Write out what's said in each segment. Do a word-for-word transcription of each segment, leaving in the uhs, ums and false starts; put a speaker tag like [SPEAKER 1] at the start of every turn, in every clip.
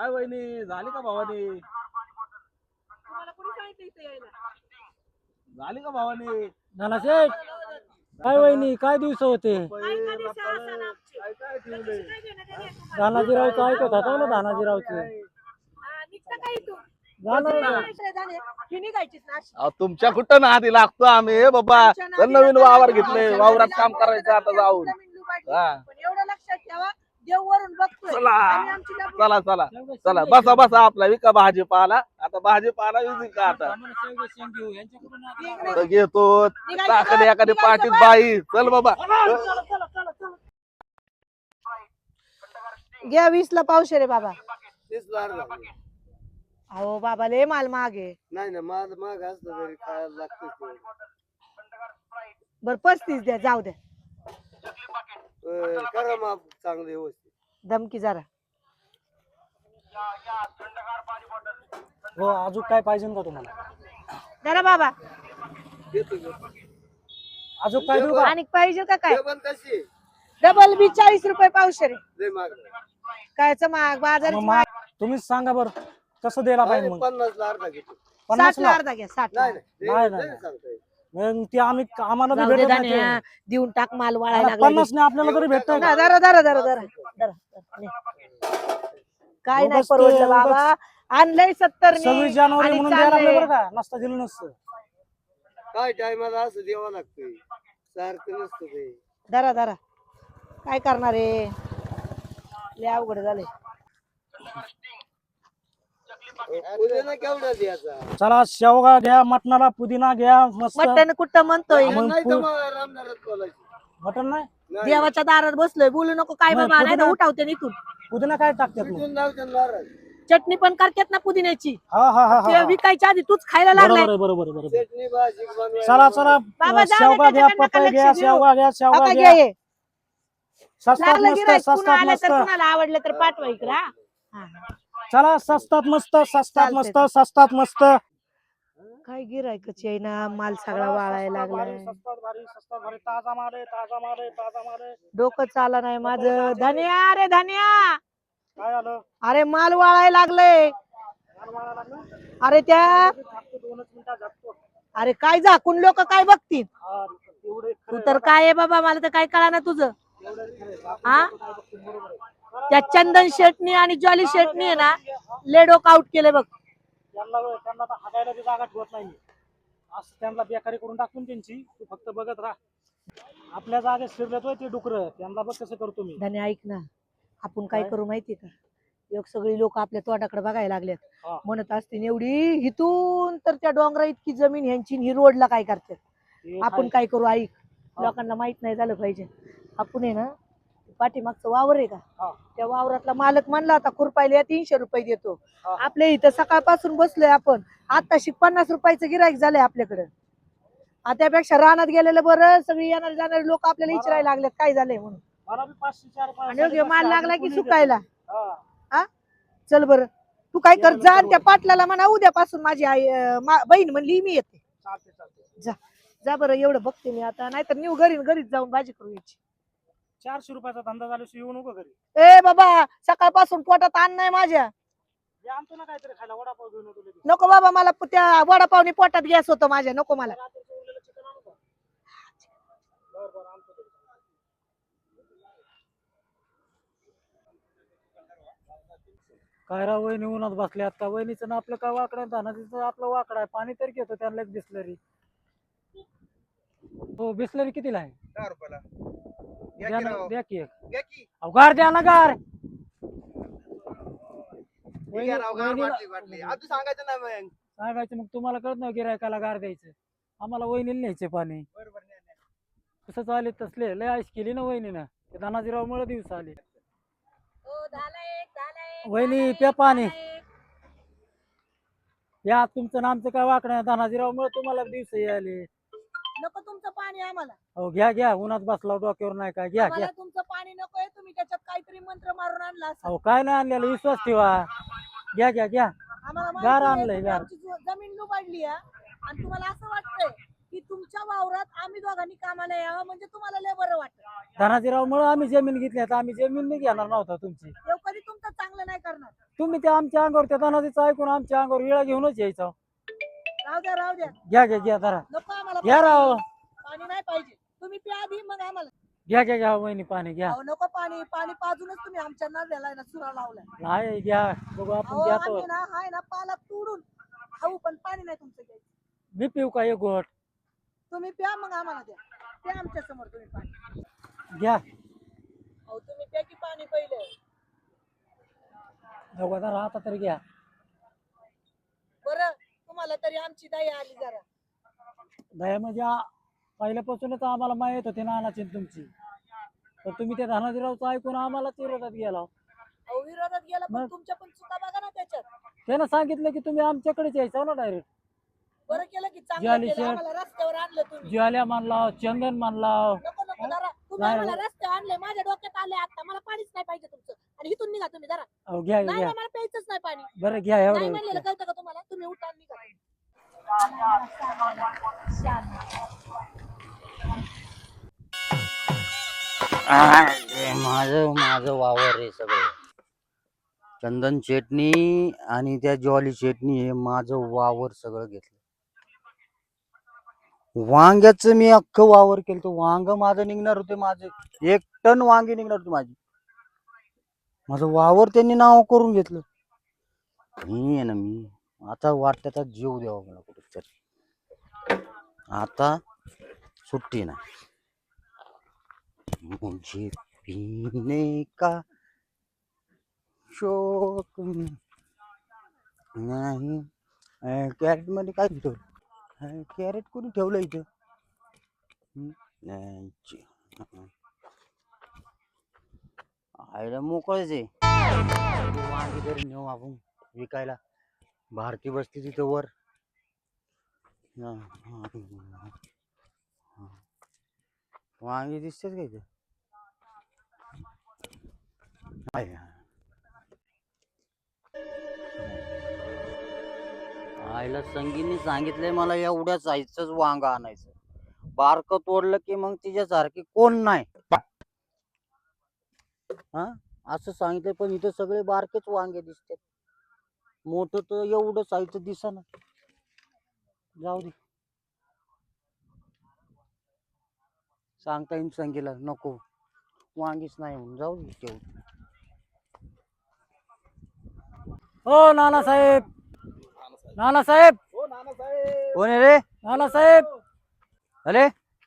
[SPEAKER 1] काय वहिनी झाली का भावानी?
[SPEAKER 2] तुम्हाला कोणी सांगितलं इथे यायला?
[SPEAKER 1] झाली का भावानी?
[SPEAKER 3] नानाशेठ काय वहिनी काय दिवस होते?
[SPEAKER 2] काय कधी सहा सण आमचे.
[SPEAKER 1] काय काय ठेवले?
[SPEAKER 2] त्याच्याशी काय घेणं देणं आहे तुम्हाला?
[SPEAKER 3] धानाजीरावचं ऐकत होता ना धानाजीरावचं
[SPEAKER 2] हा, निघता का इथून?
[SPEAKER 3] जाणार
[SPEAKER 2] किती
[SPEAKER 3] का?
[SPEAKER 2] किलोमीटर झाले? ही निघायचीच ना अशी.
[SPEAKER 1] अहो, तुमच्या कुठं ना आधी लागतो आम्ही हे बाबा.
[SPEAKER 2] आमच्या
[SPEAKER 1] तर
[SPEAKER 2] नादीला
[SPEAKER 1] नवीन
[SPEAKER 2] लागला
[SPEAKER 1] वावर
[SPEAKER 2] नाही.
[SPEAKER 1] घेतले,
[SPEAKER 2] आमच्या
[SPEAKER 1] वावरात
[SPEAKER 2] नादीला
[SPEAKER 1] काम
[SPEAKER 2] लागला
[SPEAKER 1] करायचं आता
[SPEAKER 2] नाही.
[SPEAKER 1] जाऊन.
[SPEAKER 2] जमीन लुबाडली.
[SPEAKER 1] हा.
[SPEAKER 2] पण एवढं लक्षात ठेवा, देव वरून बघतोय.
[SPEAKER 1] चला
[SPEAKER 2] आम्ही आमची लपून-
[SPEAKER 1] चला चला चला बसा बसा आपला विका भाजीपाला. आता भाजीपाला विकू का आता? तर घेतो टाकले एखादी पाठीत बाई. चल बाबा.
[SPEAKER 2] घ्या वीस ला पावशे रे बाबा.
[SPEAKER 4] तीस लाख झाले.
[SPEAKER 2] अहो बाबा लय माल मागे.
[SPEAKER 4] नाही ना माझ माग असलं तरी खायला लागतं
[SPEAKER 2] बर पस्तीस द्या जाऊ द्या.
[SPEAKER 4] करा माप चांगलं व्यवस्थित.
[SPEAKER 2] धमकी जरा.
[SPEAKER 3] हो अजून काय पाहिजे का तुम्हाला?
[SPEAKER 2] जरा बाबा
[SPEAKER 4] देतो देतो.
[SPEAKER 3] अजून काय देऊ का?
[SPEAKER 2] आणि पाहिजे का काय?
[SPEAKER 4] जेवण कशी
[SPEAKER 2] डबल बी चाळीस रुपये पावशे रे.
[SPEAKER 4] लय माग
[SPEAKER 2] कायच महाग बाजाराची
[SPEAKER 3] मग
[SPEAKER 2] महाग.
[SPEAKER 3] मा- तुम्हीच सांगा बरं कसं द्यायला पाहिजे मग?
[SPEAKER 4] पन्नास ला अर्धा घेतो.
[SPEAKER 3] पन्नास
[SPEAKER 2] साठ ला
[SPEAKER 3] ला
[SPEAKER 2] अर्धा घ्या साठ ला.
[SPEAKER 4] नाही नाही
[SPEAKER 3] नाही,
[SPEAKER 4] लय-
[SPEAKER 3] नाही.
[SPEAKER 4] लय सांगता येईल.
[SPEAKER 3] मग ते आम्ही आम्हाला बी
[SPEAKER 2] जाऊ दे
[SPEAKER 3] भेटत नाही
[SPEAKER 2] धान्या,
[SPEAKER 3] ते.
[SPEAKER 2] देऊन टाक माल वाळायला
[SPEAKER 3] आता
[SPEAKER 2] लागला.
[SPEAKER 3] पन्नास ने आपल्याला तरी भेटतंय का?
[SPEAKER 2] जरा जरा जरा जरा जरा. काय नाही
[SPEAKER 3] उगाच ते-
[SPEAKER 2] परवडलं बाबा. आणलंय सत्तर
[SPEAKER 3] सव्वीस जानेवारी म्हणून द्यायला लागले बरं का? नसता दिलं नसतं.
[SPEAKER 4] काय टायमाला असं द्यावं लागतंय सारखं नसतं ते.
[SPEAKER 2] धरा धरा. काय करणार आहे? लय अवघड झाले.
[SPEAKER 4] उद्याला केवढा द्यायचा?
[SPEAKER 3] चला शेवगा घ्या, मटणाला पुदिना घ्या मस्त.
[SPEAKER 2] मटण कुठं म्हणतोय?
[SPEAKER 3] मग
[SPEAKER 4] नाही तर
[SPEAKER 3] पु-
[SPEAKER 4] मग रामदारात बोलायचं.
[SPEAKER 3] मटण नाही
[SPEAKER 4] नाही.
[SPEAKER 2] देवाच्या दारात बसलोय बोलू नको काय
[SPEAKER 3] नाही,
[SPEAKER 2] बाबा नाही तर
[SPEAKER 3] पुदिना-
[SPEAKER 2] उठावते इथून.
[SPEAKER 3] पुदिना काय टाकतात मग?
[SPEAKER 4] तिथून लावतात नारळ.
[SPEAKER 2] चटणी पण करतात ना पुदिन्याची.
[SPEAKER 3] हा हा हा
[SPEAKER 2] ते
[SPEAKER 3] हा
[SPEAKER 2] विकायच्या आधी तूच खायला लागलाय.
[SPEAKER 3] बरोबर आहे बरोबर आहे, बरोबर आहे.
[SPEAKER 4] चटणी भाजी बनवायला.
[SPEAKER 3] चला चला
[SPEAKER 2] बाबा, जाऊ दे,
[SPEAKER 3] शेवगा घ्या,
[SPEAKER 2] त्याच्याकडनं
[SPEAKER 3] पपई
[SPEAKER 2] नका
[SPEAKER 3] घ्या,
[SPEAKER 2] लक्ष देऊ.
[SPEAKER 3] शेवगा घ्या, शेवगा
[SPEAKER 2] आता
[SPEAKER 3] घ्या.
[SPEAKER 2] घे हे.
[SPEAKER 3] स्वस्तात
[SPEAKER 2] लागलं
[SPEAKER 3] मस्त
[SPEAKER 2] गिराईक पुन्हा
[SPEAKER 3] स्वस्तात
[SPEAKER 2] आलं
[SPEAKER 3] मस्त.
[SPEAKER 2] तर कुणाला आवडलं तर पाठवा इकडं हा. हा, हा.
[SPEAKER 3] चला स्वस्तात मस्त स्वस्तात
[SPEAKER 2] चालतंय.
[SPEAKER 3] मस्त स्वस्तात मस्त.
[SPEAKER 2] काय गिरायकची आहे ना माल सगळा वाळायला
[SPEAKER 3] स्वस्तात भारी,
[SPEAKER 2] लागलाय.
[SPEAKER 3] स्वस्तात भारी, स्वस्तात भारी. ताजा माल आहे, ताजा माल आहे, ताजा माल आहे.
[SPEAKER 2] डोकं चाला नाही माझं. धन्या रे धन्या.
[SPEAKER 3] काय आलं?
[SPEAKER 2] अरे माल वाळायला लागले.
[SPEAKER 3] माल वाळायला लागला?
[SPEAKER 2] अरे त्या
[SPEAKER 3] झाकतो, दोनच मिनिटात झाकतो.
[SPEAKER 2] अरे काय झाकून लोक काय बघतील?
[SPEAKER 3] हा, एवढे
[SPEAKER 2] तू तर काय आहे बाबा मला तर काय कळा ना तुझं. हा त्या चंदन शेटनी आणि जॉली शेटनी आहे ना ले डोकं आउट केले बघ.
[SPEAKER 3] त्यांना त्यांना आता हागायला बी जागा ठेवत नाही. असं त्यांना बेकारी करून टाकून त्यांची तू फक्त बघत राहा. आपल्या जागेत शिरलेतोय ते डुकर त्यांना बघ कसं करतो मी.
[SPEAKER 2] धन्या ऐक ना आपण काय करू माहिती का? एक सगळी लोक आपल्या तोंडाकडे बघायला लागलेत.
[SPEAKER 3] हा.
[SPEAKER 2] म्हणत असतील एवढी हिथून तर त्या डोंगरा इतकी जमीन ह्यांची ही रोडला काय करतात.
[SPEAKER 3] ते
[SPEAKER 2] आपण
[SPEAKER 3] आहे.
[SPEAKER 2] काय करू ऐक
[SPEAKER 3] हा.
[SPEAKER 2] लोकांना माहित नाही झालं पाहिजे. आपण आहे ना पाठीमागचं वावर आहे का
[SPEAKER 3] हा.
[SPEAKER 2] त्या वावरातला मालक म्हणला होता खुरपायला तीनशे रुपये देतो.
[SPEAKER 3] हा.
[SPEAKER 2] आपल्या इथं सकाळपासून बसलोय आपण आताशी पन्नास रुपयाचं गिराईक झालंय आपल्याकडे. त्यापेक्षा रानात गेलेलं बरं. सगळी येणारे जाणारे लोक आपल्याला विचारायला लागलेत काय झालंय म्हणून.
[SPEAKER 3] मला बी पाचशे चार पाच-
[SPEAKER 2] आणि योग्य माल
[SPEAKER 3] साडेपाचशे
[SPEAKER 2] लागला की
[SPEAKER 3] कोणी
[SPEAKER 2] सुकायला.
[SPEAKER 3] देतं. हा.
[SPEAKER 2] हा चल बर तू काय कर जा आणि त्या पाटलाला म्हणा उद्यापासून माझी आई अं, मा- बहीण म्हणली मी येते.
[SPEAKER 3] चालते चालते.
[SPEAKER 2] जा जा बरं एवढं बघते मी आता नाहीतर निव घरी घरीच जाऊन भाजी करू यायची.
[SPEAKER 3] चारशे रुपयाचा धंदा झाल्याशिवाय येऊ नको घरी.
[SPEAKER 2] ए बाबा सकाळपासून पोटात अन्न नाही माझ्या.
[SPEAKER 3] हे आणतो ना काहीतरी खायला वडापाव घेऊन येतो लगेच.
[SPEAKER 2] नको बाबा मला प- त्या वडापावनी पोटात गॅस होतो माझ्या नको मला.
[SPEAKER 3] रात्रीचं उरलेलं चिकन आणू का? बरं बरं आणतो ते. काय राव वहिनी उन्हात बसले आता. वहिनीचं ना आपलं काय वाकडं आहे, धानाचं आपलं वाकडं आहे. पाणी तरी घेतो त्यांना एक बिस्लरी. हो बिस्लरी कितीला आहे?
[SPEAKER 4] दहा रुपयाला
[SPEAKER 3] द्या ना, द्या की एक.
[SPEAKER 4] घ्या की.
[SPEAKER 3] अहो, गार द्या ना गार.
[SPEAKER 4] हे घ्या राव, गार बाटली बाटली. आता सांगायचं नाही मग.
[SPEAKER 3] सांगायचं मग तुम्हाला कळत नाही गिरायकाला गार द्यायचं. आम्हाला वहिनीला न्यायचे पाणी.
[SPEAKER 4] बरोबर नाही नाही.
[SPEAKER 3] कसं आले तसले लय आईस केली ना वहिनीनं. ते धनाजीराव मुळे दिवस आले. वहिनी प्या पाणी. या तुमचं नामचं काय वाकडं आहे धनाजीराव मुळे तुम्हाला दिवस आले.
[SPEAKER 2] नको तुमचं पाणी आम्हाला.
[SPEAKER 3] हो घ्या घ्या उन्हात बसला डोक्यावर नाही काय घ्या घ्या.
[SPEAKER 2] आम्हाला तुमचं पाणी नकोय तुम्ही त्याच्यात काहीतरी मंत्र मारून आणला असेल.
[SPEAKER 3] अहो काय नाही आणलेलं विश्वास ठेवा. घ्या घ्या घ्या.
[SPEAKER 2] आम्हाला माहिती
[SPEAKER 3] गार
[SPEAKER 2] आहे,
[SPEAKER 3] आणलंय,
[SPEAKER 2] तुम्ही
[SPEAKER 3] गार.
[SPEAKER 2] आमची जो- जमीन लुबाडली आहे आणि तुम्हाला असं वाटतंय की तुमच्या वावरात आम्ही दोघांनी कामाला यावं म्हणजे तुम्हाला लय बरं वाटतं.
[SPEAKER 3] धनाजीराव मुळे आम्ही जमीन घेतली आता आम्ही जमीन नाही घेणार नव्हता तुमची.
[SPEAKER 2] देव कधी तुमचं चांगलं नाही करणार.
[SPEAKER 3] तुम्ही त्या आमच्या अंगावर त्या धनाजीचं ऐकून आमच्या अंगावर वेळा घेऊनच यायचा.
[SPEAKER 2] राहू द्या राहू द्या
[SPEAKER 3] घ्या घ्या घ्या जरा
[SPEAKER 2] नको आम्हाला
[SPEAKER 3] घ्या राव.
[SPEAKER 2] पाणी पाणी नाही पाहिजे. तुम्ही प्या आधी मग आम्हाला.
[SPEAKER 3] घ्या घ्या घ्या वहिनी पाणी घ्या.
[SPEAKER 2] अहो नको पाणी पाणी पाजूनच तुम्ही आमच्या नद्याला ना सुरा लावलाय.
[SPEAKER 3] नाही घ्या बघू आपण
[SPEAKER 2] अहो
[SPEAKER 3] घ्यातो.
[SPEAKER 2] आम्ही ना हाय ना पाला तोडून खाऊ पण पाणी नाही तुमचं घ्यायचं.
[SPEAKER 3] मी पिऊ का एक गोट?
[SPEAKER 2] तुम्ही प्या मग आम्हाला द्या. प्या आमच्या समोर तुम्ही पाणी.
[SPEAKER 3] घ्या
[SPEAKER 2] अहो तुम्ही प्या की पाणी पहिले.
[SPEAKER 3] बघू जरा आता तरी घ्या.
[SPEAKER 2] बरं तुम्हाला तरी आमची दया आली जरा.
[SPEAKER 3] दया म्हणजे आ- पहिल्यापासूनच आम्हाला माहित होती नानाची आणि तुमची, तर तुम्ही त्या धनाजीरावचं ऐकून आम्हाला विरोधात गेला.
[SPEAKER 2] अहो विरोधात गेला पण
[SPEAKER 3] मग?
[SPEAKER 2] तुमच्या पण चुका बघा ना त्याच्यात.
[SPEAKER 3] त्यानं सांगितलं की तुम्ही आमच्याकडेच यायचा ना डायरेक्ट.
[SPEAKER 2] बरं केलं की चांगलं
[SPEAKER 3] ज्वाली
[SPEAKER 2] केलं.
[SPEAKER 3] शेठ.
[SPEAKER 2] आम्हाला रस्त्यावर आणलं तुम्ही.
[SPEAKER 3] ज्वाल्या मानला, चंदन मानला.
[SPEAKER 2] नको नको जरा तुम्ही
[SPEAKER 3] नाही,
[SPEAKER 2] आम्हाला रस्त्यावर आणले. माझ्या डोक्यात आले आता. मला पाणीच नाही पाहिजे तुमचं. आणि इथून निघा तुम्ही जरा.
[SPEAKER 3] अहो घ्या
[SPEAKER 2] नाही
[SPEAKER 3] घ्या
[SPEAKER 2] नाही, मला प्यायचंच नाही पाणी.
[SPEAKER 3] बरं घ्या
[SPEAKER 2] नाही
[SPEAKER 3] एवढं
[SPEAKER 2] म्हणलेलं कळतं का तुम्हाला? तुम्ही उठा आणि निघा.
[SPEAKER 5] माझं माझं वावर आहे सगळं. चंदन चटणी आणि त्या ज्वाली चटणी हे माझं वावर सगळं घेतलं. वांग्याचं मी अख्खं वावर केलं. तो वांग माझं निघणार होते. माझे एक टन वांगे निघणार होते माझी. माझं वावर त्यांनी नाव करून घेतलं. मी आहे ना मी आता वाटतं आता जीव द्यावा मला कुठेतरी. आता सुट्टी नाही. मुझे पीने का शौक नाही. कॅरेट मध्ये काय ठेवलं? कॅरेट कोणी ठेवलं इथं? हम्म, नाही. आईला मोकळच आहे. वांगी तरी नेऊ आपण विकायला. भारती बसती तिथं वर. हा, हा, हा. वांगी दिसतेच का इथे? आहे. आईला संगीने सांगितलंय मला एवढ्या साईजच वांग आणायचं. बारक तोडलं की मग तिच्यासारखी कोण नाही. हा असं सांगितलंय पण इथं सगळे बारकेच वांगे दिसतात. मोठं तर एवढं साईजचं दिसेना. जाऊ दे. सांगता येईल संगीला नको वांगीच नाही म्हणून जाऊ दे तेवढं.
[SPEAKER 3] हो नानासाहेब. नानासाहेब
[SPEAKER 1] हो नानासाहेब.
[SPEAKER 5] कोण आहे रे?
[SPEAKER 3] नानासाहेब
[SPEAKER 5] अरे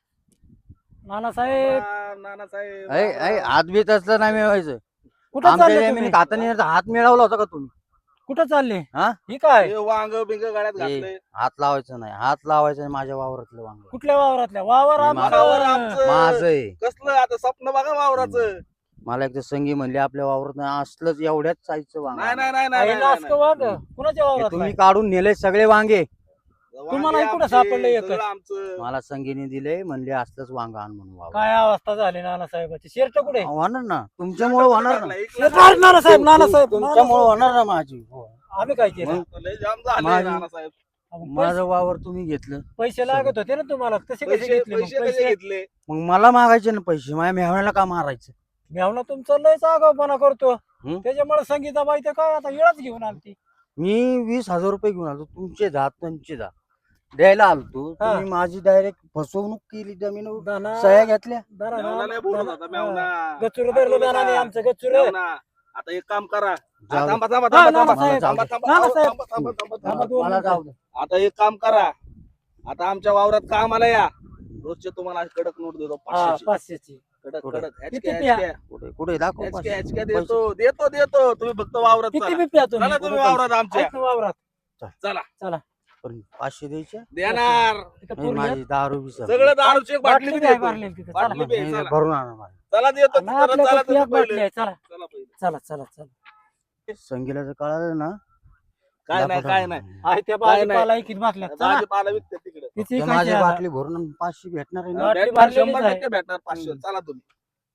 [SPEAKER 3] नानासाहेब
[SPEAKER 1] राम नानासाहेब.
[SPEAKER 5] ऐ ऐ हात बीत असलं नाही मिळवायचं.
[SPEAKER 3] कुठं
[SPEAKER 5] आमच्या
[SPEAKER 3] चालले
[SPEAKER 5] जमिनीत
[SPEAKER 3] तुम्ही?
[SPEAKER 5] हाताने हात मिळवला होता का तुम्ही?
[SPEAKER 3] कुठं चालले?
[SPEAKER 5] हा?
[SPEAKER 3] ही काय
[SPEAKER 1] हे वांग बिंग गळ्यात घातले.
[SPEAKER 5] ए, हात लावायचं नाही. हात लावायचं नाही माझ्या वावरातलं वांग.
[SPEAKER 3] कुठल्या वावरातल्या? वावर
[SPEAKER 5] मी
[SPEAKER 3] आमचं.
[SPEAKER 1] वावर आमचं.
[SPEAKER 5] माझं आहे.
[SPEAKER 1] कसलं आता स्वप्न बघा वावराचं.
[SPEAKER 5] मला एकदा संगी म्हणली आपल्या वावरात नाही असलंच एवढ्याच साईजचं वांग
[SPEAKER 1] नाही
[SPEAKER 5] आहे.
[SPEAKER 1] नाही नाही नाही,
[SPEAKER 3] आई
[SPEAKER 1] नाही,
[SPEAKER 3] नासकं
[SPEAKER 1] नाही.
[SPEAKER 3] वाग. कुणाच्या
[SPEAKER 5] हे
[SPEAKER 3] वावरात?
[SPEAKER 5] तुम्ही काढून नेले सगळे वांगे.
[SPEAKER 3] तुम्हाला
[SPEAKER 1] वांगे
[SPEAKER 3] कुठं
[SPEAKER 1] आमचे,
[SPEAKER 3] सापडलं एकच?
[SPEAKER 1] सगळं आमचं.
[SPEAKER 5] मला संगीने दिले म्हणले असलंच वांग आण म्हणून वावर.
[SPEAKER 3] काय अवस्था झाली नानासाहेबाची. शर्ट कुठे?
[SPEAKER 5] होणार ना तुमच्यामुळे होणार ना.
[SPEAKER 3] शर्ट काढ नानासाहेब. नानासाहेब
[SPEAKER 5] तुमच्यामुळे होणार ना माझी. हो.
[SPEAKER 3] आम्ही काय केलं?
[SPEAKER 5] मग
[SPEAKER 1] लय जाम झाले
[SPEAKER 5] माझी-
[SPEAKER 1] नानासाहेब.
[SPEAKER 5] माझं वावर तुम्ही घेतलं.
[SPEAKER 3] पैसे लागत होते ना तुम्हाला. कसे कसे
[SPEAKER 1] पैसे
[SPEAKER 3] घेतले मग
[SPEAKER 1] पैसे कसे
[SPEAKER 3] पैसे?
[SPEAKER 1] घेतले?
[SPEAKER 5] मग मला मागायचे ना पैसे. माझ्या मेहण्याला का मारायचं?
[SPEAKER 3] मेवना तुमचं लयच आगाऊपणा करतो.
[SPEAKER 5] हं?
[SPEAKER 3] त्याच्यामुळे संगीता बाई तर काय आता येळच घेऊन आलती.
[SPEAKER 5] मी वीस हजार रुपये घेऊन आलो. तुमचे दहा तुमचे दहा द्यायला आलो तू.
[SPEAKER 3] हा.
[SPEAKER 5] तुम्ही माझी डायरेक्ट फसवणूक केली. जमीन
[SPEAKER 3] दाना
[SPEAKER 5] सह्या घेतल्या.
[SPEAKER 3] दाना
[SPEAKER 1] मेवना नाही बोलत होता, मेवना.
[SPEAKER 3] गच्चूर धरलं दानाने आमचं गच्चूर.
[SPEAKER 1] मेवना. आता एक काम करा.
[SPEAKER 5] जाऊ दे.
[SPEAKER 1] थांबा थांबा
[SPEAKER 3] हा,
[SPEAKER 1] थांबा थांबा
[SPEAKER 3] नानासाहेब.
[SPEAKER 1] थांबा थांबा
[SPEAKER 3] नानासाहेब.
[SPEAKER 1] थांबा थांबा थांबा
[SPEAKER 3] थांबा
[SPEAKER 1] थांबा.
[SPEAKER 3] दोन
[SPEAKER 5] मला
[SPEAKER 3] मिनिटं.
[SPEAKER 5] जाऊ दे.
[SPEAKER 1] आता एक काम करा. आता आमच्या वावरात कामाला या. रोजचे तुम्हाला कडक नोट देतो
[SPEAKER 3] हा,
[SPEAKER 1] पाचशेची.
[SPEAKER 3] पाचशेची.
[SPEAKER 1] कडक
[SPEAKER 5] कुठे?
[SPEAKER 1] कडक
[SPEAKER 3] किती
[SPEAKER 1] HK,
[SPEAKER 3] प्या?
[SPEAKER 1] HK.
[SPEAKER 5] कुठे कुठे दाखव
[SPEAKER 1] HK,
[SPEAKER 5] पाचशे.
[SPEAKER 1] HK देतो देतो देतो. तुम्ही फक्त वावरात
[SPEAKER 3] किती
[SPEAKER 1] चला.
[SPEAKER 3] बी प्या तुम्ही.
[SPEAKER 1] चला तुम्ही वावरात आमच्या.
[SPEAKER 3] आहेत ना वावरात.
[SPEAKER 1] चला
[SPEAKER 3] चला
[SPEAKER 5] पण पाचशे द्यायचे.
[SPEAKER 1] देणार.
[SPEAKER 3] इथं
[SPEAKER 5] नाही,
[SPEAKER 3] पूर्ण
[SPEAKER 5] माझी दारू बी संपली.
[SPEAKER 1] सगळं दारूची एक बाटली
[SPEAKER 3] बाटली
[SPEAKER 1] बी
[SPEAKER 3] बी आहे
[SPEAKER 1] देतो.
[SPEAKER 3] भरलेली तिथं. चला.
[SPEAKER 1] बाटली बी आहे,
[SPEAKER 5] नाही,
[SPEAKER 1] चला.
[SPEAKER 5] भरून आणा मला.
[SPEAKER 1] चला देतो
[SPEAKER 3] आणि
[SPEAKER 1] चला,
[SPEAKER 3] आपल्याकडे
[SPEAKER 1] चला
[SPEAKER 3] ती
[SPEAKER 1] तुम्ही
[SPEAKER 3] एक बाटली
[SPEAKER 1] पहिले.
[SPEAKER 3] आहे. चला
[SPEAKER 1] चला पहिले.
[SPEAKER 3] चला चला चला.
[SPEAKER 5] संगीला जर कळालं ना
[SPEAKER 1] काय नाही काय नाही.
[SPEAKER 3] आहे त्या
[SPEAKER 1] काय नाही.
[SPEAKER 3] भाजीपाला इकडे बसल्या. चला
[SPEAKER 1] भाजीपाला विकते तिकडे.
[SPEAKER 3] किती
[SPEAKER 5] तर
[SPEAKER 3] खायची
[SPEAKER 5] माझी
[SPEAKER 3] आता?
[SPEAKER 5] बाटली भरून आणि पाचशे भेटणार आहे ना.
[SPEAKER 3] बाटली
[SPEAKER 1] भेटणार,
[SPEAKER 3] भरलेलीच
[SPEAKER 1] शंभर
[SPEAKER 3] आहे.
[SPEAKER 1] टक्के भेटणार पाचशे. चला तुम्ही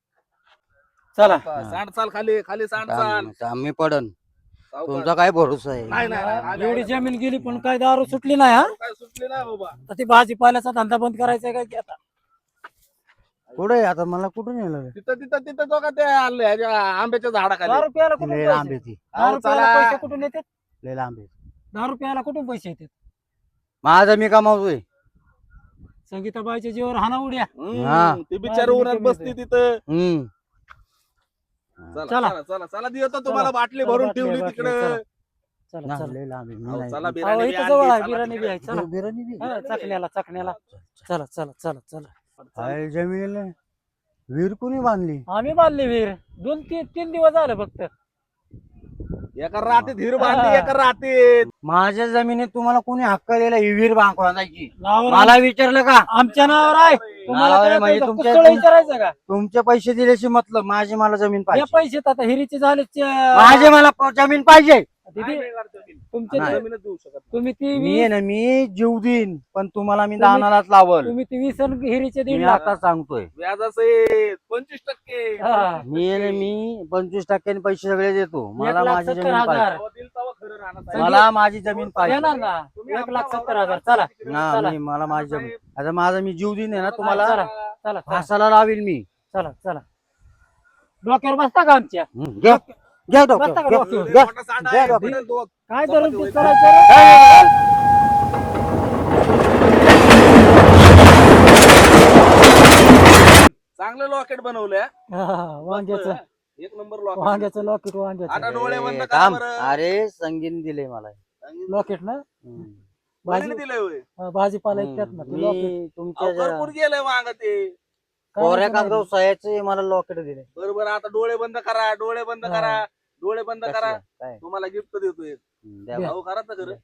[SPEAKER 3] चला
[SPEAKER 1] सांड चाल खाली खाली सांड चाल.
[SPEAKER 5] आता आम्ही पडन.
[SPEAKER 1] सावकाश.
[SPEAKER 5] तुमचा काय भरोसा आहे?
[SPEAKER 1] नाही नाही नाही. आम्ही-
[SPEAKER 3] एवढी जमीन गेली पण काय दारू सुटली नाही. हा
[SPEAKER 1] काय सुटली नाही बाबा.
[SPEAKER 3] तर ती भाजीपाल्याचा धंदा बंद करायचा काय की आता?
[SPEAKER 5] कुठे आता मला कुठून येणार
[SPEAKER 1] तिथं तिथं तिथं तो का ते आलं ह्याच्या आंब्याच्या झाडाखाली
[SPEAKER 3] दहा रुपयाला कुठून
[SPEAKER 5] लय
[SPEAKER 3] पैसे?
[SPEAKER 5] लांब येते
[SPEAKER 3] दहा
[SPEAKER 1] अहो,
[SPEAKER 3] रुपयाला
[SPEAKER 1] चला.
[SPEAKER 3] पैसे कुठून येतात?
[SPEAKER 5] लय लांब येते
[SPEAKER 3] दहा रुपयाला कुठून पैसे येतात?
[SPEAKER 5] माझं मी कमावतोय
[SPEAKER 3] संगीताबाईच्या जीवावर हाना उड्या.
[SPEAKER 1] हम्म,
[SPEAKER 5] हा.
[SPEAKER 1] ती बिचारी
[SPEAKER 3] माझी
[SPEAKER 1] उन्हात
[SPEAKER 3] कमी
[SPEAKER 1] बसती
[SPEAKER 3] येते.
[SPEAKER 1] तिथं
[SPEAKER 5] हम्म
[SPEAKER 1] चला
[SPEAKER 3] चला.
[SPEAKER 1] चला चला चला देतो तुम्हाला
[SPEAKER 3] चला.
[SPEAKER 1] बाटली
[SPEAKER 3] चला,
[SPEAKER 1] भरून
[SPEAKER 3] बाटली,
[SPEAKER 1] ठेवली
[SPEAKER 3] बाटली,
[SPEAKER 1] तिकडे
[SPEAKER 3] चला. चला
[SPEAKER 5] ना,
[SPEAKER 3] चला
[SPEAKER 5] लय लांब आहे. मी
[SPEAKER 1] अहो,
[SPEAKER 5] नाही-
[SPEAKER 1] चला
[SPEAKER 3] अहो,
[SPEAKER 1] बिर्याणी बी
[SPEAKER 3] इथं
[SPEAKER 1] आणली,
[SPEAKER 3] जवळ आहे,
[SPEAKER 1] चला
[SPEAKER 3] बिर्याणी बी
[SPEAKER 1] तिकडे.
[SPEAKER 3] आहे. चला
[SPEAKER 5] बिर्याणी बी?
[SPEAKER 3] हा, चकण्याला चकण्याला चला चला चला चला
[SPEAKER 5] काय जमीन विहीर कोणी बांधली
[SPEAKER 3] आम्ही बांधले विहीर दोन तीन तीन दिवस झाले फक्त.
[SPEAKER 1] एका रातीत हिर बांधली एका रातीत
[SPEAKER 5] माझ्या जमिनीत तुम्हाला कोणी हक्क दिला ही विहीर बांधवायची
[SPEAKER 3] नावावर
[SPEAKER 5] मला विचारलं का
[SPEAKER 3] आमच्या नावावर आहे. तुम्हाला
[SPEAKER 5] नावावर
[SPEAKER 3] काय
[SPEAKER 5] म्हणजे
[SPEAKER 3] कळतं?
[SPEAKER 5] तुमच्या-
[SPEAKER 3] कुठं विचारायचं का?
[SPEAKER 5] तुमचे पैसे दिल्याशी मतलब माझी मला जमीन
[SPEAKER 3] या
[SPEAKER 5] पाहिजे
[SPEAKER 3] पैसे आता हिरीचे झाले
[SPEAKER 5] माझे मला प- जमीन पाहिजे
[SPEAKER 3] दीदी
[SPEAKER 1] नाही करत जमीन.
[SPEAKER 3] तुमचे
[SPEAKER 5] नाही.
[SPEAKER 3] ते-
[SPEAKER 1] जमीनच देऊ शकत
[SPEAKER 3] तुम्ही ती
[SPEAKER 5] मी
[SPEAKER 3] वीस
[SPEAKER 5] आहे ना मी जीव देईन पण तुम्हाला मी
[SPEAKER 3] तुम्ही-
[SPEAKER 5] दानालाच लावल
[SPEAKER 3] तुम्ही ती वीस आणि हिरीचे दीड
[SPEAKER 5] मी
[SPEAKER 3] लाख.
[SPEAKER 5] आता सांगतोय
[SPEAKER 1] व्याजाचे पंचवीस टक्के
[SPEAKER 3] हा.
[SPEAKER 5] मी आहे ना मी पंचवीस टक्क्याने पैसे सगळे देतो
[SPEAKER 3] एक
[SPEAKER 5] मला
[SPEAKER 3] लाख
[SPEAKER 5] माझी
[SPEAKER 3] सत्तर
[SPEAKER 5] जमीन
[SPEAKER 3] हजार.
[SPEAKER 5] पाहिजे
[SPEAKER 1] तेव्हा दिल तेव्हा खरं राहणार आहे.
[SPEAKER 5] मला माझी जमीन पाहिजे
[SPEAKER 3] येणार ना
[SPEAKER 1] तुम्ही
[SPEAKER 3] एक लाख
[SPEAKER 1] आमच्या
[SPEAKER 3] सत्तर
[SPEAKER 1] वावरात
[SPEAKER 3] हजार. चला
[SPEAKER 5] ना
[SPEAKER 3] चला.
[SPEAKER 5] मी मला माझी जमीन आता माझा मी जीव देईन आहे ना
[SPEAKER 3] चला
[SPEAKER 5] तुम्हाला
[SPEAKER 3] चला चला
[SPEAKER 5] फासाला लावील मी
[SPEAKER 3] चला चला डोक्यावर बसता का आमच्या?
[SPEAKER 5] हं, घ्या घ्या डॉक्टर
[SPEAKER 3] बसता का
[SPEAKER 5] घ्या,
[SPEAKER 3] डॉक्टर?
[SPEAKER 5] घ्या.
[SPEAKER 1] मोठा साठा
[SPEAKER 5] घ्या
[SPEAKER 1] आहे,
[SPEAKER 5] डॉक्टर.
[SPEAKER 1] बिल दोन.
[SPEAKER 3] काय
[SPEAKER 1] चपाती
[SPEAKER 3] धरून ते
[SPEAKER 1] होईल.
[SPEAKER 3] करायचं रे?
[SPEAKER 1] चांगलं लॉकेट बनवलंय हा.
[SPEAKER 3] हा, वांग्याचं
[SPEAKER 1] एक नंबर लॉकेट
[SPEAKER 3] वांग्याचं लॉकेट
[SPEAKER 1] आता
[SPEAKER 3] वांग्याचं
[SPEAKER 1] डोळे बंद
[SPEAKER 5] ए,
[SPEAKER 1] करा
[SPEAKER 5] थांब.
[SPEAKER 1] बरं.
[SPEAKER 5] अरे संगीन दिले मला
[SPEAKER 3] लॉकेट ना
[SPEAKER 5] हं.
[SPEAKER 3] भाजी
[SPEAKER 1] कोणी दिलंय होय?
[SPEAKER 3] हा, भाजीपाला इतक्यात ना ते लॉकेट
[SPEAKER 5] मी
[SPEAKER 1] अहो,
[SPEAKER 5] तुमच्या
[SPEAKER 1] भरपूर गेलंय वांग ते
[SPEAKER 5] कोऱ्या कागदाव सह्याचे मला लॉकेट दिले
[SPEAKER 1] बरोबर आता डोळे बंद करा डोळे बंद
[SPEAKER 3] हा.
[SPEAKER 1] करा डोळे बंद करा
[SPEAKER 5] कसलं? काय
[SPEAKER 1] तुम्हाला गिफ्ट देतोय
[SPEAKER 5] हं, द्या
[SPEAKER 3] द्या.
[SPEAKER 1] भाऊ करा तर खरं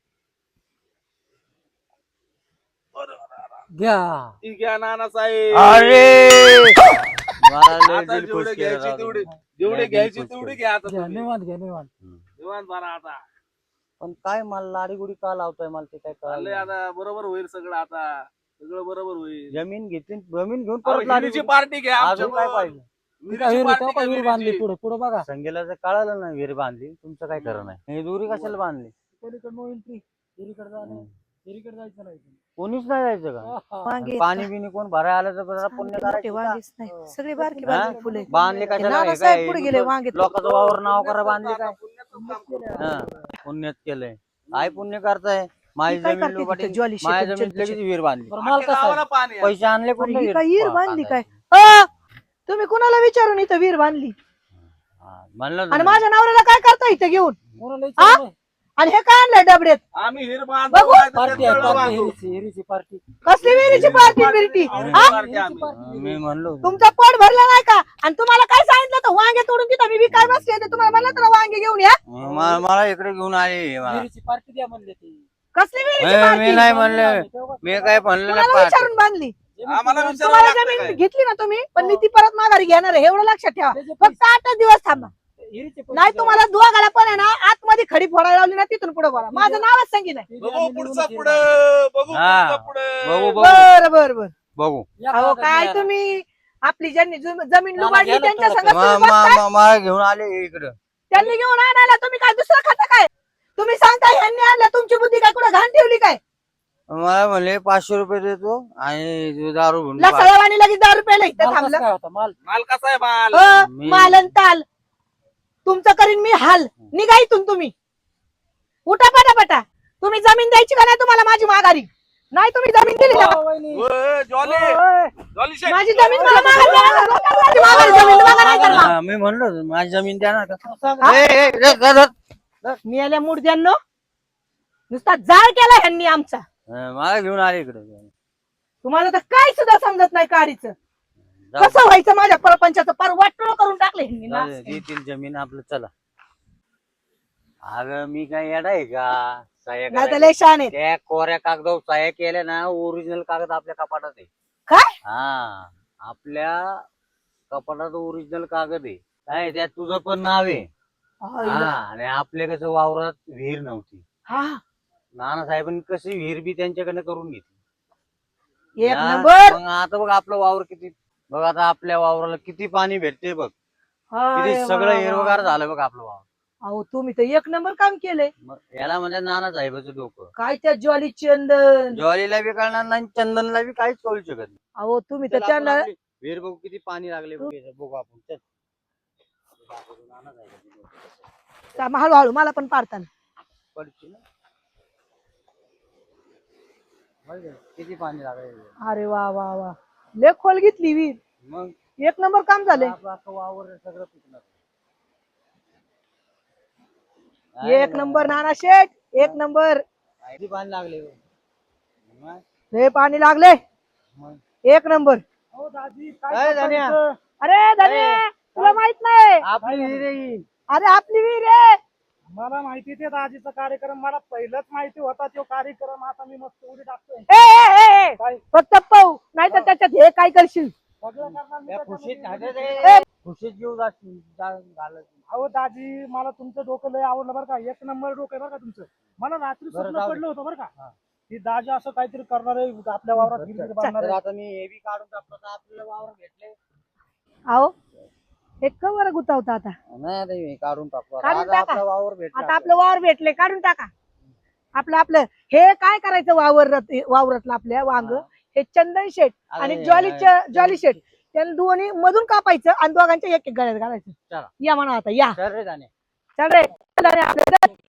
[SPEAKER 3] घ्या
[SPEAKER 1] ती घ्या नाना साहेब
[SPEAKER 5] अरे मला लय
[SPEAKER 1] आता
[SPEAKER 5] दिल खुश
[SPEAKER 1] जेवढे
[SPEAKER 5] केलं
[SPEAKER 1] घ्यायची
[SPEAKER 5] राव
[SPEAKER 1] तेवढे
[SPEAKER 5] तुम्ही.
[SPEAKER 1] जेवढे
[SPEAKER 5] लय
[SPEAKER 1] घ्यायची
[SPEAKER 5] दिल खुश
[SPEAKER 1] तेवढे
[SPEAKER 5] केलं.
[SPEAKER 1] घ्या आता
[SPEAKER 3] घ्या
[SPEAKER 1] तुम्ही.
[SPEAKER 3] निवांत घ्या निवांत
[SPEAKER 5] हं.
[SPEAKER 1] निवांत बरा आता
[SPEAKER 5] पण काय मला लाडीगुडी का लावताय मला ते काय
[SPEAKER 1] चाललंय
[SPEAKER 5] कळलं
[SPEAKER 1] आता बरोबर होईल सगळं आता सगळं बरोबर होईल
[SPEAKER 5] जमीन घेतली जमीन घेऊन
[SPEAKER 1] अहो,
[SPEAKER 5] परत लाडी
[SPEAKER 1] हिरीची पार्टी घ्या
[SPEAKER 5] अजून काय पाहिजे
[SPEAKER 3] विहीर
[SPEAKER 1] विहिरीची
[SPEAKER 3] होता
[SPEAKER 1] party
[SPEAKER 3] का
[SPEAKER 1] घ्या,
[SPEAKER 3] विहीर बांधली
[SPEAKER 1] विहिरीची.
[SPEAKER 3] पुढे पुढे बघा
[SPEAKER 5] संगीला जर कळालं ना विहीर बांधली तुमचं काय खरं नाही हे दुरी कशाला बांधली
[SPEAKER 3] पलीकडे नो एंट्री हिरीकडे जाणं
[SPEAKER 5] हं.
[SPEAKER 3] हिरीकडे जायचं नाही
[SPEAKER 5] कोणीच नाही जायचं का
[SPEAKER 3] हा, हा.
[SPEAKER 2] वांगे
[SPEAKER 5] पाणी बिनी कोण भरायला आलं तर जरा पुण्य
[SPEAKER 2] मोठे
[SPEAKER 5] करायचं का?
[SPEAKER 2] वांगेच नाही सगळे बारकी
[SPEAKER 5] हा?
[SPEAKER 2] बारकी फुले
[SPEAKER 5] बांधले कशाला हे
[SPEAKER 2] नानासाहेब
[SPEAKER 5] काय
[SPEAKER 2] पुढे गेले वांगे
[SPEAKER 5] लोकांचं वावर नाव करा बांधले काय
[SPEAKER 1] पुण्याचं काम करू.
[SPEAKER 5] हा पुण्यात केलंय काय पुण्य करताय माझी
[SPEAKER 2] काय
[SPEAKER 5] जमीन
[SPEAKER 2] करते
[SPEAKER 5] लोकांनी
[SPEAKER 2] तिथे ज्वाली
[SPEAKER 5] माझ्या
[SPEAKER 2] शेकून
[SPEAKER 5] जमीन लगेच
[SPEAKER 2] चटणी?
[SPEAKER 5] विहीर बांधली
[SPEAKER 3] बरं माल
[SPEAKER 1] अख्ख्या
[SPEAKER 3] कसा आहे?
[SPEAKER 1] गावाला पाणी आहे.
[SPEAKER 5] पैसे आणले
[SPEAKER 2] अरे
[SPEAKER 5] कुठले
[SPEAKER 2] ही
[SPEAKER 5] विहीर
[SPEAKER 2] काय विहीर
[SPEAKER 5] पा-
[SPEAKER 2] बांधली काय
[SPEAKER 5] बांधायचे?
[SPEAKER 2] अ, तुम्ही कुणाला विचारून इथं विहीर बांधली
[SPEAKER 5] हा, म्हणलं
[SPEAKER 2] आणि
[SPEAKER 5] तुम्ही.
[SPEAKER 2] माझ्या नवऱ्याला काय करता इथं घेऊन
[SPEAKER 3] कोणाला विचारलं नाही.
[SPEAKER 2] आणि हे काय आणलंय डबड्यात
[SPEAKER 1] आम्ही हिर बांधतो,
[SPEAKER 2] बघू.
[SPEAKER 1] नाही तर
[SPEAKER 3] पार्टी
[SPEAKER 1] ते
[SPEAKER 3] आहे
[SPEAKER 1] तळं
[SPEAKER 3] पार्टी
[SPEAKER 1] बांधतो.
[SPEAKER 3] हिरीची हिरीची पार्टी
[SPEAKER 2] कसली विहिरीची पार्टी बिरटी
[SPEAKER 1] हिरीची
[SPEAKER 2] हा?
[SPEAKER 1] पार्टी आम्ही.
[SPEAKER 5] हा, मी म्हणलो
[SPEAKER 2] तुमचं पोट भरलं नाही का आणि तुम्हाला काय सांगितलं तर वांगे तोडून तिथं मी विकाय बसले तर तुम्हाला म्हणलं तर वांगे घेऊन या
[SPEAKER 5] म- मला इकडे घेऊन आले मला.
[SPEAKER 3] हिरीची पार्टी द्या म्हणले ती
[SPEAKER 2] कसली विहिरीची
[SPEAKER 5] ए, मी
[SPEAKER 2] पार्टी
[SPEAKER 5] नाही म्हणलं मी काय म्हणलं नाही
[SPEAKER 2] तुम्हाला
[SPEAKER 5] पार्टी.
[SPEAKER 2] विचारून बांधली
[SPEAKER 1] आम्हाला विचारावं
[SPEAKER 2] तुम्हाला
[SPEAKER 1] लागतं
[SPEAKER 2] जमीन
[SPEAKER 1] काय?
[SPEAKER 2] घेतली ना तुम्ही पण मी ती परत माघारी घेणार आहे एवढं लक्षात ठेवा
[SPEAKER 3] त्याचे
[SPEAKER 2] फक्त आठच दिवस थांबा
[SPEAKER 3] हिरीचे पैसे
[SPEAKER 2] नाही
[SPEAKER 3] द्या.
[SPEAKER 2] तुम्हाला दोघाला पण आहे ना आतमध्ये खडी फोडायला लावली ना तिथून पुढे बोला माझं नावच सांगितलं
[SPEAKER 3] ते द्या,
[SPEAKER 1] बघू
[SPEAKER 3] आम्ही
[SPEAKER 1] पुढचं
[SPEAKER 3] निवडून
[SPEAKER 1] पुढं बघू
[SPEAKER 5] हा.
[SPEAKER 1] पुढचं पुढं
[SPEAKER 5] बघू बघू
[SPEAKER 2] बर बर बर
[SPEAKER 5] बघू
[SPEAKER 3] या
[SPEAKER 2] अहो
[SPEAKER 3] कागद
[SPEAKER 2] काय
[SPEAKER 3] द्या.
[SPEAKER 2] तुम्ही आपली ज्यांनी जम- जमीन
[SPEAKER 3] मला
[SPEAKER 2] लुबाडली
[SPEAKER 3] घ्यायला
[SPEAKER 2] त्यांच्या
[SPEAKER 3] तुला
[SPEAKER 2] संग
[SPEAKER 5] मा-
[SPEAKER 2] तुम्ही
[SPEAKER 5] मा-
[SPEAKER 2] बसताय?
[SPEAKER 5] मा- मला घेऊन आले इकडं
[SPEAKER 2] त्यांनी घेऊन आणायला तुम्ही काय दुसरं खाता काय तुम्ही सांगताय ह्यांनी आणलं तुमची बुद्धी काय कुठं घाण ठेवली काय
[SPEAKER 5] मला म्हणले पाचशे रुपये देतो आणि तू दारू घेऊन पाच-
[SPEAKER 2] लसळवाणी लगेच दहा रुपयाला इथं
[SPEAKER 3] माल कसा
[SPEAKER 2] थांबलं
[SPEAKER 3] काय होता माल
[SPEAKER 1] माल कसा आहे माल
[SPEAKER 2] अ,
[SPEAKER 5] मी-
[SPEAKER 2] मालन ताल तुमचं करीन मी हाल निघा इथून तुम्ही उठा पटापटा तुम्ही जमीन द्यायची का नाही तुम्हाला माझी माघारी नाही तुम्ही जमीन दिली ना
[SPEAKER 3] ओ, वहिनी.
[SPEAKER 1] ओय, जॉली
[SPEAKER 3] ओ, ओय.
[SPEAKER 1] जॉली शेठ.
[SPEAKER 2] माझी जमीन मला माघारी द्या ना. लोकांना माझी माघारी जमीन मागा नाही तर मग.
[SPEAKER 5] हा, मी म्हणलो माझी जमीन द्या ना का
[SPEAKER 3] सांगा.
[SPEAKER 2] हा?
[SPEAKER 5] ए, ए, ए, धर, धर.
[SPEAKER 2] मी आल्या मुर्द्यांनो नुसता जाळ केला ह्यांनी आमचा
[SPEAKER 5] हा, मला घेऊन आले इकडे
[SPEAKER 2] तुम्हाला तर काय सुद्धा समजत नाही काडीचं
[SPEAKER 5] जाऊ.
[SPEAKER 2] कसं व्हायचं माझ्या परपंचाचं पार वाटोळ करून टाकले ह्यांनी
[SPEAKER 5] जाऊ
[SPEAKER 2] नास.
[SPEAKER 5] दे, देतील जमीन आपलं चला अगं मी काय येडा आहे का सह्या
[SPEAKER 2] नाही तर
[SPEAKER 5] करायला?
[SPEAKER 2] लय शान आहेत
[SPEAKER 5] त्या कोऱ्या कागदावर सह्या केल्या ना ओरिजिनल कागद आपल्या कपाटात आहे
[SPEAKER 2] काय
[SPEAKER 5] हा आपल्या कपाटात ओरिजिनल कागद आहे काय त्यात तुझं पण नाव आहे हा आणि आपल्या कसं वावरात विहीर नव्हती
[SPEAKER 2] हा
[SPEAKER 5] नानासाहेबांनी कशी विहीर बी त्यांच्याकडे करून घेतली
[SPEAKER 2] एक
[SPEAKER 5] हा,
[SPEAKER 2] नंबर
[SPEAKER 5] मग आता बघ आपलं वावर किती बघ आता आपल्या वावराला किती पाणी भेटते बघ किती
[SPEAKER 2] हाय
[SPEAKER 5] सगळं
[SPEAKER 2] वा वा.
[SPEAKER 5] हिरवगार झालं बघ आपलं वावर
[SPEAKER 2] अहो तुम्ही तर एक नंबर काम केलंय
[SPEAKER 5] मग याला म्हणजे नानासाहेबाचं डोकं
[SPEAKER 2] काय त्या ज्वाली चंदन
[SPEAKER 5] ज्वारीला बी कळणार नाही चंदनला बी काहीच कळू शकत नाही
[SPEAKER 2] अहो तुम्ही
[SPEAKER 5] चल
[SPEAKER 2] तर
[SPEAKER 5] आपण
[SPEAKER 2] त्यांना
[SPEAKER 5] आपली विहीर बघू किती पाणी लागले बघू आपण चल.
[SPEAKER 2] चा- हळूहळू मला पण पाडताना
[SPEAKER 5] पडची ना. बघ किती पाणी लागले.
[SPEAKER 2] अरे वा वा वा लय खोल घेतली विहीर.
[SPEAKER 5] मग
[SPEAKER 2] एक नंबर काम झाले.
[SPEAKER 5] आपलं अख्खं वावर सगळं पिकणार.
[SPEAKER 2] एक नंबर नाना शेठ एक नंबर.
[SPEAKER 5] किती पाणी लागले. मग
[SPEAKER 2] लय पाणी लागले.
[SPEAKER 5] मग
[SPEAKER 2] एक नंबर.
[SPEAKER 3] हो दाजी
[SPEAKER 5] काय
[SPEAKER 3] काय
[SPEAKER 5] धन्या?
[SPEAKER 3] करता
[SPEAKER 2] अरे धन्य तुला माहित नाही.
[SPEAKER 5] आपली विहीर आहे ही.
[SPEAKER 2] अरे आपली विहीर आहे.
[SPEAKER 3] मला माहिती ते दाजीचा कार्यक्रम मला पहिलंच माहिती होता तो कार्यक्रम. आता मी मस्त उडी टाकतोय.
[SPEAKER 2] ए, ए, ए,
[SPEAKER 3] काय
[SPEAKER 2] फक्त पाहू नाही तर त्याच्यात हे काय करशील.
[SPEAKER 3] सगळं करणार मी
[SPEAKER 5] त्या
[SPEAKER 3] त्याच्यामध्ये.
[SPEAKER 5] खुशीत खाते रे. खुशीत जीव जाशील जा- घालत.
[SPEAKER 3] अहो दाजी मला तुमचं डोकं लय आवडलं बरं का. एक नंबर डोकं आहे बरं का तुमचं. मला रात्री
[SPEAKER 5] बरं,
[SPEAKER 3] स्वप्न
[SPEAKER 5] जाऊ दे.
[SPEAKER 3] पडलं होतं बरं का
[SPEAKER 5] हा.
[SPEAKER 3] की दाजी असं काहीतरी करणार आहे आपल्या वावरात
[SPEAKER 5] बरं,
[SPEAKER 3] गिरगिट
[SPEAKER 5] चल.
[SPEAKER 3] बांधणार
[SPEAKER 5] तर
[SPEAKER 3] आहे.
[SPEAKER 5] आता मी हे बी काढून टाकतो तर आपल्याला वावर भेटले.
[SPEAKER 2] अहो हे कवर गुतावता आता.
[SPEAKER 5] नाही आता हे काढून टाकतो आता.
[SPEAKER 2] काढून
[SPEAKER 5] आता
[SPEAKER 2] टाका.
[SPEAKER 5] आपला वावर भेटला.
[SPEAKER 2] आता आपलं वावर भेटले काढून टाका. आपलं आपलं हे काय करायचं वावर वावरातलं आपल्या वांग
[SPEAKER 5] हा.
[SPEAKER 2] हे चंदन शेट आणि
[SPEAKER 5] अरे,
[SPEAKER 2] ज्वालीच्या
[SPEAKER 5] अरे,
[SPEAKER 2] ज्वाली शेट त्यांना दोन्ही मधून कापायचं आणि दोघांच्या एक एक गळ्यात घालायचं.
[SPEAKER 5] चला.
[SPEAKER 2] या म्हणा आता या
[SPEAKER 5] चल रे जाणे.
[SPEAKER 2] चल रे चल रे आपलं चल.